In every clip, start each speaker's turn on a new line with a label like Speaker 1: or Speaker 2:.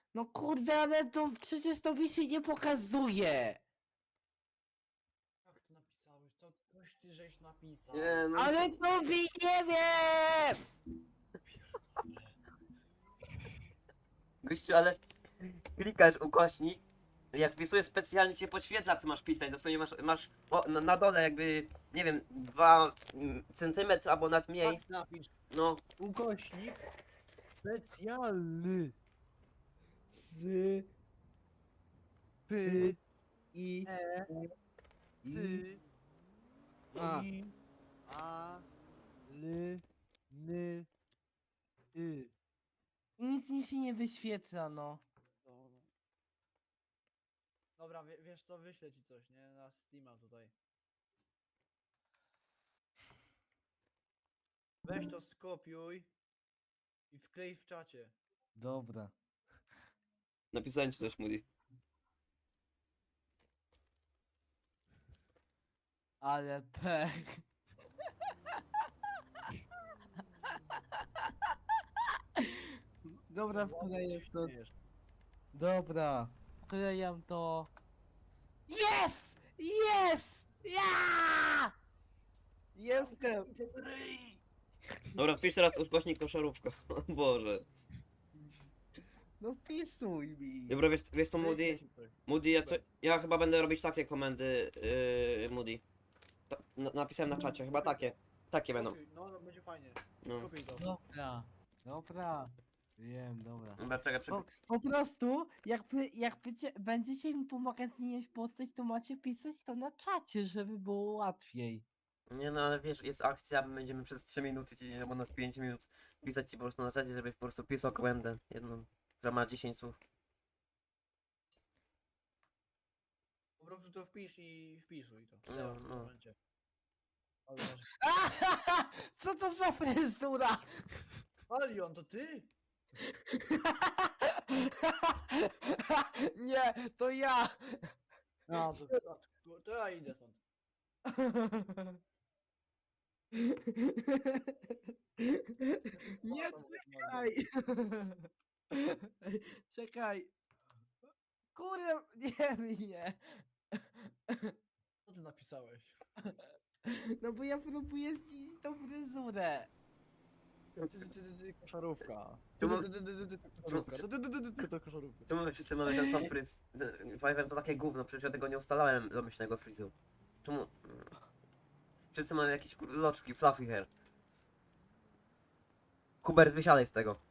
Speaker 1: No kurde, ale to przecież to mi się nie pokazuje.
Speaker 2: Jak to napisałeś? Co coś ty żeś napisał?
Speaker 3: Nie, no.
Speaker 1: Ale to mi nie wiem!
Speaker 2: Pierdolę.
Speaker 3: Gościu, ale klikasz ukośnik, jak wpisujesz specjalnie się podświetla, co masz pisać. Dosłownie masz na dole jakby, nie wiem, 2 centymetry albo nad mniej.
Speaker 2: Tak napisz.
Speaker 3: No,
Speaker 2: Ukośnik specjalny.
Speaker 1: Z
Speaker 2: Py.
Speaker 1: i
Speaker 2: E. Cy.
Speaker 1: A.
Speaker 2: I. A. L. N. Y.
Speaker 1: nic mi się nie wyświetla, no.
Speaker 2: Dobra. Dobra, wiesz co, wyślę ci coś, nie? Na Steama tutaj. Weź to skopiuj i wklej w czacie.
Speaker 1: Dobra.
Speaker 3: napisałem ci coś, Moody.
Speaker 1: Ale pech. Dobra, wkleję to.
Speaker 2: Śmiejesz.
Speaker 1: Dobra. Wklejam to. Jest! Jest! Ja! Jestem!
Speaker 3: Dobra, wpisz teraz ukośnik koszarówka. O Boże.
Speaker 1: No wpisuj mi.
Speaker 3: Dobra, wiesz co,
Speaker 2: Wyślę
Speaker 3: Moody?
Speaker 2: ci coś.
Speaker 3: Moody, ja chyba będę robić takie komendy, Moody. Napisałem na czacie, chyba takie. Takie będą.
Speaker 2: Kopiuj, no, będzie fajnie.
Speaker 3: No.
Speaker 2: Kopiuj to.
Speaker 1: Dobra. Dobra. Wiem, dobra.
Speaker 3: Dobra, czekaj,
Speaker 1: Po prostu, będziecie mi pomagać zmieniać postać, to macie pisać to na czacie, żeby było łatwiej.
Speaker 3: Nie no, ale wiesz, jest akcja, my będziemy przez 3 minuty, albo na 5 minut pisać ci po prostu na czacie, żebyś po prostu pisał komendę jedną, która ma 10 słów.
Speaker 2: Po prostu to wpisz i wpisuj to.
Speaker 3: No,
Speaker 2: Teraz, w tym
Speaker 3: no.
Speaker 2: momencie. Ale masz...
Speaker 1: Co to za fryzura?
Speaker 2: Alion, to ty?
Speaker 1: Nie, to ja.
Speaker 2: No, to ja idę stąd.
Speaker 1: Nie,
Speaker 2: Tam,
Speaker 1: czekaj. Czekaj. Kurde, nie mnie.
Speaker 2: Co ty napisałeś?
Speaker 1: No bo ja próbuję zmienić tą fryzurę.
Speaker 2: Ty, koszarówka.
Speaker 3: Czemu-
Speaker 2: Koszarówka. To koszarówka.
Speaker 3: Czemu my wszyscy mamy ten sam fryz? Powiem, to takie gówno, przecież ja tego nie ustalałem domyślnego frizu. Czemu? Wszyscy mają jakieś loczki, fluffy hair. Hubert, wysiadaj z tego.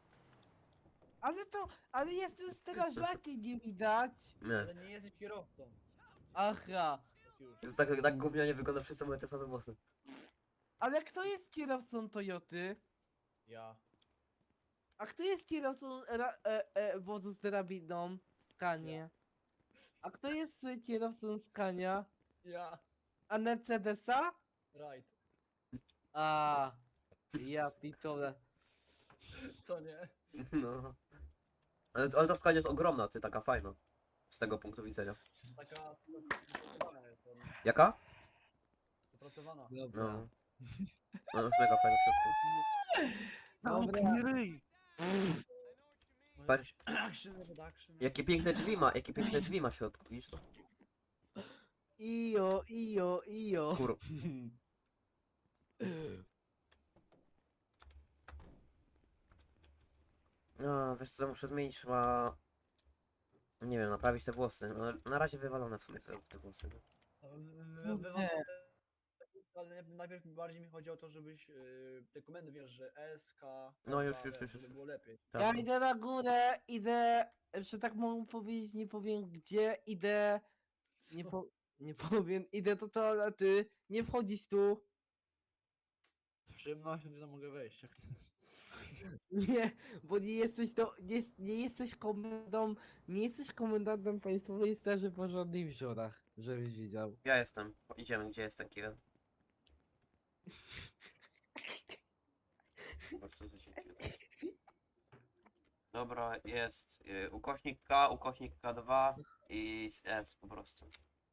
Speaker 1: Ale jestem strażakiem, nie widać.
Speaker 3: Nie.
Speaker 2: Ale nie jesteś kierowcą.
Speaker 1: Aha.
Speaker 2: Już.
Speaker 3: Jest tak gównianie wygląda, wszyscy mają te same włosy.
Speaker 1: Ale kto jest kierowcą Toyoty?
Speaker 2: Ja.
Speaker 1: A kto jest kierowcą wozu z drabiną? Skanie. A kto jest kierowcą Skania?
Speaker 2: Ja.
Speaker 1: A Mercedesa?
Speaker 2: Right.
Speaker 1: A, ja pitole.
Speaker 2: Co nie?
Speaker 3: No. Ale ta skania jest ogromna, ty, taka fajna. Z tego punktu widzenia.
Speaker 2: Taka dopracowana jest ładnie.
Speaker 3: Jaka?
Speaker 2: Dopracowana.
Speaker 1: Dobra.
Speaker 3: No. No, jest mega fajna w środku.
Speaker 1: Dobra.
Speaker 2: ryj!
Speaker 3: Patrz.
Speaker 2: Action, reduction.
Speaker 3: Jakie piękne drzwi ma w środku, widzisz to?
Speaker 1: Ijo, ijo, ijo.
Speaker 3: Kur... No, wiesz co, muszę zmienić chyba... Nie wiem, naprawić te włosy. No, na razie wywalone w sumie te włosy.
Speaker 2: Wywalone ale najpierw bardziej mi chodzi o to, żebyś te komendy wiesz, że S, K,
Speaker 3: No już,
Speaker 2: wiesz,
Speaker 3: już.
Speaker 2: żeby było lepiej.
Speaker 1: Ja
Speaker 3: Tak.
Speaker 1: idę na górę, że tak mogę powiedzieć, nie powiem gdzie, nie,
Speaker 2: Co?
Speaker 1: nie powiem, idę do toalety, nie wchodzić tu.
Speaker 2: Z przyjemnością nie mogę wejść, jak chcesz.
Speaker 1: Nie, bo nie jesteś nie jesteś komendantem Państwowej Straży Pożarnej w Żorach, żebyś wiedział.
Speaker 3: Ja jestem. Idziemy, gdzie jest ten Kiwen? Bardzo dziękuję. Dobra, jest ukośnik K, ukośnik K2 i S po prostu.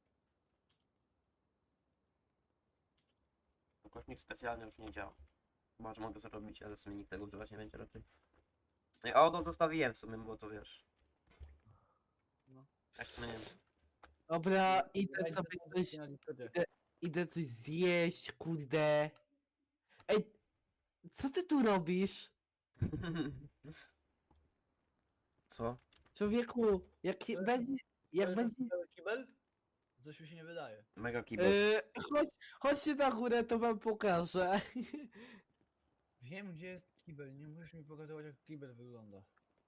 Speaker 3: Ukośnik specjalny już nie działa. Chyba, że mogę zrobić, ale w sumie nikt tego używać nie będzie raczej. No i auto zostawiłem w sumie, bo to wiesz. Jeszcze nie wiem.
Speaker 1: Dobra, idę
Speaker 2: Dajcie
Speaker 1: sobie
Speaker 2: tam
Speaker 1: coś,
Speaker 2: na Discordzie.
Speaker 1: idę coś zjeść, kurde. Ej, co ty tu robisz?
Speaker 3: Co?
Speaker 1: Człowieku,
Speaker 2: To
Speaker 1: będzie,
Speaker 2: To
Speaker 1: jak
Speaker 2: jest
Speaker 1: będzie...
Speaker 2: ten cały kibel? Coś mi się nie wydaje.
Speaker 3: Mega keyboard.
Speaker 1: Chodźcie na górę, to wam pokażę.
Speaker 2: Wiem, gdzie jest kibel, nie musisz mi pokazywać, jak kibel wygląda.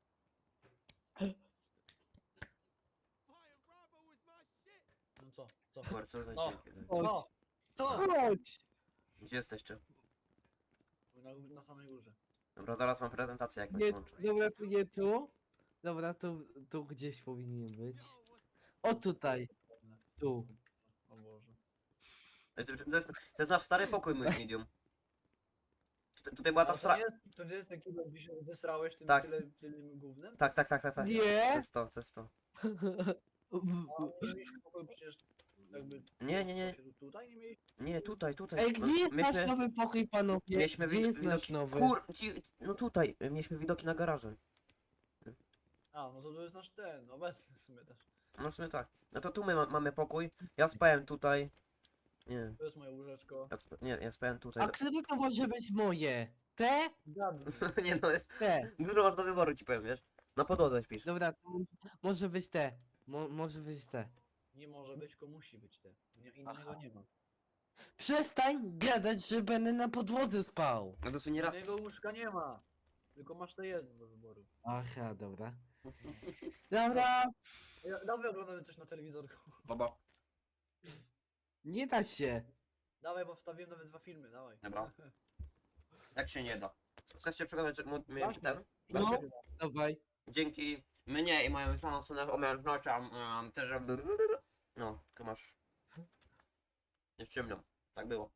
Speaker 2: No co? Co?
Speaker 3: Bardzo za
Speaker 2: O.
Speaker 3: dzięki.
Speaker 1: Chodź,
Speaker 2: Co? Co?
Speaker 1: chodź.
Speaker 3: Gdzie jesteście?
Speaker 2: Na samej górze.
Speaker 3: Dobra, zaraz mam prezentację jakąś
Speaker 1: Nie,
Speaker 3: włączę.
Speaker 1: dobra, tu nie tu. Dobra, tu gdzieś powinien być. O tutaj, tu.
Speaker 2: O Boże.
Speaker 3: To jest nasz stary pokój, mój medium. Tutaj była ta
Speaker 2: A
Speaker 3: stra...
Speaker 2: to nie jest ten kibel, gdzie się wysrałeś tym
Speaker 3: Tak.
Speaker 2: tym gównem?
Speaker 3: Tak. To
Speaker 1: Nie?
Speaker 3: jest to, to jest to.
Speaker 2: A nie mieliśmy pokoju przecież jakby...
Speaker 3: Nie.
Speaker 2: Tutaj nie mieliśmy?
Speaker 3: Nie, tutaj.
Speaker 1: Ej, gdzie jest nasz
Speaker 3: Mieliśmy,
Speaker 1: nowy pokój, panowie?
Speaker 3: mieliśmy
Speaker 1: Gdzie jest nasz
Speaker 3: widoki...
Speaker 1: nowy?
Speaker 3: No tutaj, mieliśmy widoki na garaże.
Speaker 2: A, no to jest nasz ten, obecny w sumie też.
Speaker 3: No w sumie tak. No to tu my mamy pokój. Ja spałem tutaj. Nie,
Speaker 2: To jest moje łóżeczko.
Speaker 3: ja spałem tutaj.
Speaker 1: A które to może być moje? Te?
Speaker 2: Gadnij.
Speaker 3: Nie no, jest...
Speaker 1: Te.
Speaker 3: Dużo masz do wyboru, ci powiem, wiesz? Na podłodze śpisz.
Speaker 1: Dobra, to może być te. Może być te.
Speaker 2: Nie może być, tylko musi być te. Innego
Speaker 1: Aha.
Speaker 2: nie ma.
Speaker 1: Przestań gadać, że będę na podłodze spał.
Speaker 3: No to nie raz...
Speaker 2: Innego łóżka nie ma. Tylko masz te jedno do wyboru.
Speaker 1: Aha, dobra. Dobra,
Speaker 2: Dawaj oglądamy coś na telewizorku.
Speaker 3: Baba.
Speaker 1: nie da się.
Speaker 2: Dawaj, bo wstawiłem nawet 2 filmy, dawaj.
Speaker 3: Dobra. Jak się nie da. Chcesz się przekonać, że
Speaker 2: Właśnie.
Speaker 3: ten?
Speaker 1: No.
Speaker 2: Dlaczego?
Speaker 1: Dawaj.
Speaker 3: Dzięki mnie i moim samym umiejętnościom też... No, tylko masz... Jest ciemno. Tak było.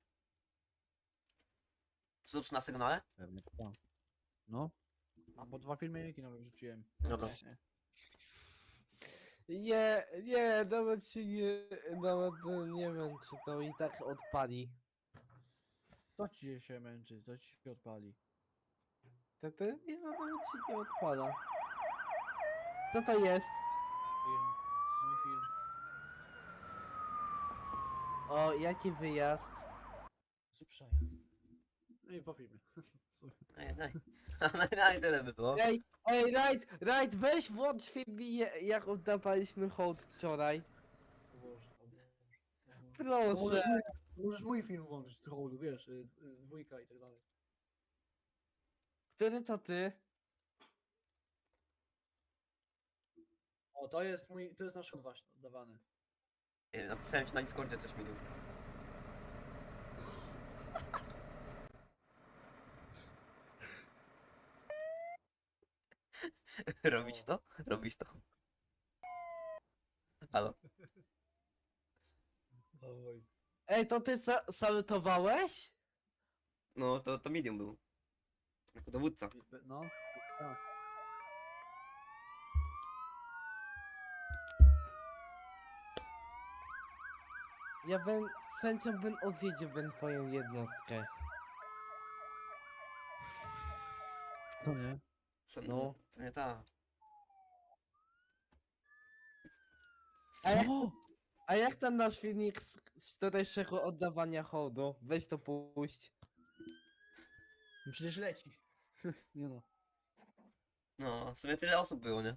Speaker 3: Subs na sygnale?
Speaker 2: Pewnie tak. No. A bo 2 filmiki nawet wrzuciłem.
Speaker 3: Dobra.
Speaker 1: Nie, nawet się nie, nawet nie wiem, czy to i tak odpali.
Speaker 2: Co ci się męczy? Co ci się odpali?
Speaker 1: To i to nawet się nie odpala. Co to jest?
Speaker 2: Film. Mój film.
Speaker 1: O, jaki wyjazd?
Speaker 2: Suprzaj. No i po filmie.
Speaker 3: No i tyle by było.
Speaker 1: Ej, Right, weź włącz film jak oddawaliśmy hołd wczoraj.
Speaker 2: O Boże, o Boże.
Speaker 1: Proszę.
Speaker 2: Możesz mój film włączyć z hołdu, wiesz, dwójka i tak dalej.
Speaker 1: Który to ty?
Speaker 2: O, to jest nasz hołd właśnie oddawany.
Speaker 3: Napisałem ci na Discordzie coś milion. Robić to? Robić to? Halo?
Speaker 2: Oj.
Speaker 1: Ej, to ty salutowałeś?
Speaker 3: No, to medium był. Jako dowódca.
Speaker 2: No. Tak.
Speaker 1: Z chęcią bym odwiedził twoją jednostkę.
Speaker 2: To nie.
Speaker 3: Co,
Speaker 1: No.
Speaker 3: To nie ta.
Speaker 1: A jak ten nasz filmik z wczorajszego oddawania hołdu? Weź to puść.
Speaker 2: No przecież leci. Nie no.
Speaker 3: No, w sumie tyle osób było, nie?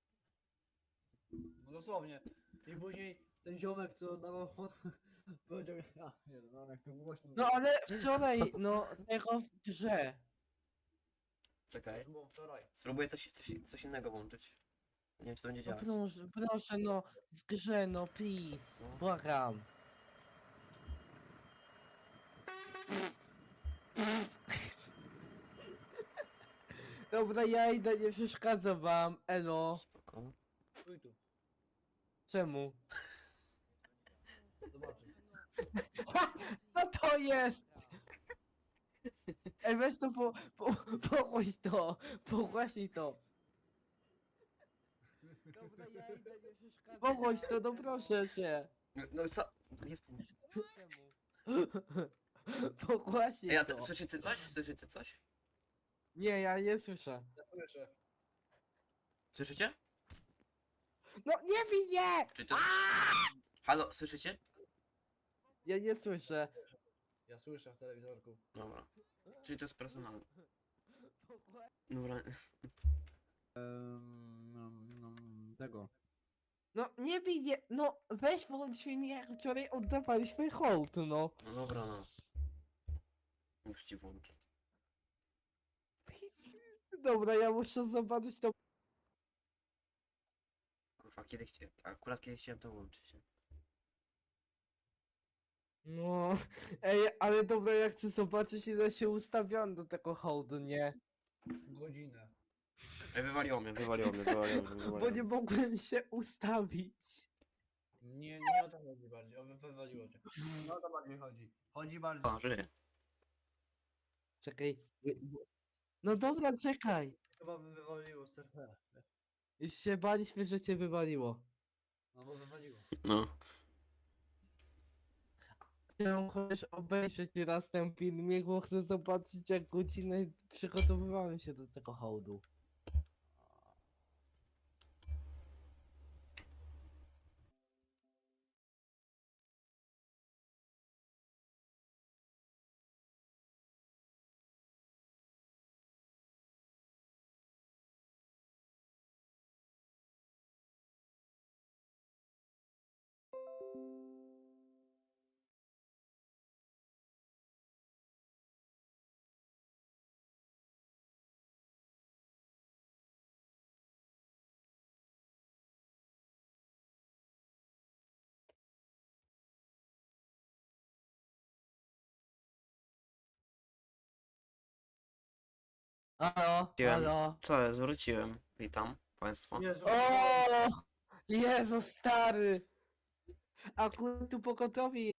Speaker 2: No dosłownie. I później ten ziomek, co dawał hołd, powiedział, nie no, jak to głośno.
Speaker 1: No ale wczoraj, no, tego w grze.
Speaker 3: Czekaj.
Speaker 2: To było wczoraj.
Speaker 3: Spróbuję coś innego włączyć. Nie wiem, czy to będzie
Speaker 1: No
Speaker 3: działać.
Speaker 1: proszę, no, w grze, no, please,
Speaker 3: No.
Speaker 1: błagam. Dobra, ja idę, nie przeszkadzam wam, elo.
Speaker 3: Spoko.
Speaker 2: Stój tu.
Speaker 1: Czemu?
Speaker 2: Zobaczysz.
Speaker 1: Co to jest? Ej, weź to pogłoś to, pogłaśnij to. Dobra, ja idę, nie przeszkadzam. Pogłoś to, no proszę cię.
Speaker 3: No co? Jest...
Speaker 1: Czemu? Pogłaśnij
Speaker 3: Ej, a
Speaker 1: to.
Speaker 3: słyszycie coś? Słyszycie coś?
Speaker 1: Nie, ja nie słyszę.
Speaker 2: Ja słyszę.
Speaker 3: Słyszycie?
Speaker 1: No nie bij mnie!
Speaker 3: Czy to... Halo, słyszycie?
Speaker 1: Ja nie słyszę.
Speaker 2: Ja słyszę w telewizorku.
Speaker 3: Dobra. Czyli to jest personalne. Dobra.
Speaker 2: Tego.
Speaker 1: No nie bij mnie! No weź włącz mi jak wczoraj oddawaliśmy hołd, no.
Speaker 3: No dobra, no. Już ci włączę.
Speaker 1: Dobra, ja muszę zobaczyć to.
Speaker 3: Kurwa, kiedy chciałem... Akurat kiedy chciałem to włączyć. Nie?
Speaker 1: No, ej, ale dobra, ja chcę zobaczyć ile się ustawiam do tego hołdu, nie?
Speaker 2: Godzinę.
Speaker 3: Ej, wywaliło mnie.
Speaker 1: Bo nie mogłem się ustawić.
Speaker 2: Nie o to chodzi bardziej, wywaliło cię. No o to bardziej chodzi. Chodzi bardziej.
Speaker 3: O, żyję.
Speaker 1: Czekaj. No dobra, czekaj.
Speaker 2: Chyba wywaliło z serwera.
Speaker 1: Już się baliśmy, że cię wywaliło.
Speaker 2: No bo wywaliło.
Speaker 3: No.
Speaker 1: Chciałem chociaż obejrzeć raz ten filmik, bo chcę zobaczyć jak godzinę przygotowywałem się do tego hołdu. Halo,
Speaker 3: Wróciłem.
Speaker 1: halo.
Speaker 3: Co, zwróciłem. Witam państwa.
Speaker 2: Jezu,
Speaker 1: O! Jezu stary! Akurat tu pogotowie